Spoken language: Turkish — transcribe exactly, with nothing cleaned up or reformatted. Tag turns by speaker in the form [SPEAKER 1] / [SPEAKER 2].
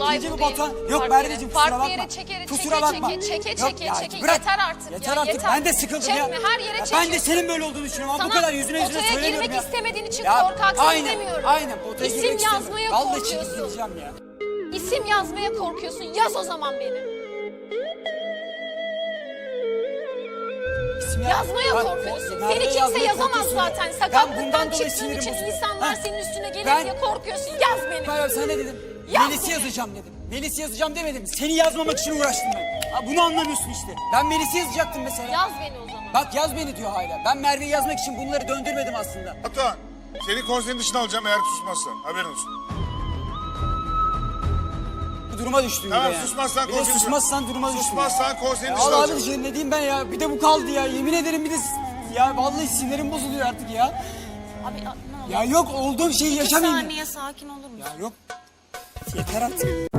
[SPEAKER 1] olay
[SPEAKER 2] İkinci
[SPEAKER 1] bu
[SPEAKER 2] bir
[SPEAKER 1] değil.
[SPEAKER 2] Batuhan. Yok
[SPEAKER 1] Farklı
[SPEAKER 2] Merveciğim
[SPEAKER 1] yere-
[SPEAKER 2] kusura
[SPEAKER 1] farklı
[SPEAKER 2] bakma.
[SPEAKER 1] yere çeke,
[SPEAKER 2] Kusura
[SPEAKER 1] çeke,
[SPEAKER 2] bakma.
[SPEAKER 1] çeke, çeke,
[SPEAKER 2] Yok
[SPEAKER 1] çeke,
[SPEAKER 2] ya,
[SPEAKER 1] çeke.
[SPEAKER 2] bırak.
[SPEAKER 1] Yeter artık
[SPEAKER 2] Yeter
[SPEAKER 1] ya,
[SPEAKER 2] artık.
[SPEAKER 1] yeter.
[SPEAKER 2] Ben de sıkıldım
[SPEAKER 1] Çekme,
[SPEAKER 2] ya.
[SPEAKER 1] her yere
[SPEAKER 2] Ya
[SPEAKER 1] çekiyorsun.
[SPEAKER 2] ben de senin böyle olduğunu düşünüyorum ama bu
[SPEAKER 1] Sana
[SPEAKER 2] kadar yüzüne yüzüne
[SPEAKER 1] potaya
[SPEAKER 2] söylemiyorum
[SPEAKER 1] girmek
[SPEAKER 2] ya.
[SPEAKER 1] istemediğin için
[SPEAKER 2] Ya,
[SPEAKER 1] korkaksın
[SPEAKER 2] aynen,
[SPEAKER 1] demiyorum.
[SPEAKER 2] Aynen potaya
[SPEAKER 1] İsim
[SPEAKER 2] girmek istemiyorum.
[SPEAKER 1] yazmaya
[SPEAKER 2] Vallahi çıkıp
[SPEAKER 1] korkuyorsun.
[SPEAKER 2] gideceğim ya.
[SPEAKER 1] İsim yazmaya korkuyorsun. Yaz o zaman beni.
[SPEAKER 2] İsim ya-
[SPEAKER 1] Yazmaya
[SPEAKER 2] Bak,
[SPEAKER 1] korkuyorsun.
[SPEAKER 2] nerede
[SPEAKER 1] Seni kimse
[SPEAKER 2] yazmaya
[SPEAKER 1] yazamaz
[SPEAKER 2] korkuyorsun ya?
[SPEAKER 1] zaten.
[SPEAKER 2] Ben
[SPEAKER 1] Sakatlıktan
[SPEAKER 2] bundan dolayı
[SPEAKER 1] çıktığın
[SPEAKER 2] sinirim
[SPEAKER 1] için
[SPEAKER 2] bozuldu.
[SPEAKER 1] insanlar
[SPEAKER 2] Ha.
[SPEAKER 1] senin üstüne gelir
[SPEAKER 2] Ben-
[SPEAKER 1] diye korkuyorsun. Yaz beni.
[SPEAKER 2] Ben sana ne dedim?
[SPEAKER 1] Yaz
[SPEAKER 2] Melis'i
[SPEAKER 1] beni.
[SPEAKER 2] yazacağım dedim. Melis'i yazacağım demedim. Seni yazmamak için uğraştım ben. Ha, bunu anlamıyorsun işte. Ben Melis'i yazacaktım mesela.
[SPEAKER 1] Yaz beni o zaman.
[SPEAKER 2] Bak yaz beni diyor hala. Ben Merve'yi yazmak için bunları döndürmedim aslında.
[SPEAKER 3] Batuhan, seni konserin dışına alacağım eğer susmazsan. Haberin olsun.
[SPEAKER 2] Bu duruma düştüm
[SPEAKER 3] Tamam,
[SPEAKER 2] bir de yani.
[SPEAKER 3] susmazsan
[SPEAKER 2] Bir de
[SPEAKER 3] konserin-
[SPEAKER 2] susmazsan duruma düştüm.
[SPEAKER 3] Susmazsan konserin
[SPEAKER 2] Ya
[SPEAKER 3] dışına
[SPEAKER 2] Allah
[SPEAKER 3] alacağım.
[SPEAKER 2] abi şey ne diyeyim ben ya. Bir de bu kaldı ya. Yemin ederim bir de ya vallahi sinirim bozuluyor artık ya.
[SPEAKER 4] Abi ne olur.
[SPEAKER 2] Ya yok olduğum şeyi
[SPEAKER 4] İki
[SPEAKER 2] yaşamayayım.
[SPEAKER 4] saniye sakin olur musun?
[SPEAKER 2] Ya yok. Yeter artık.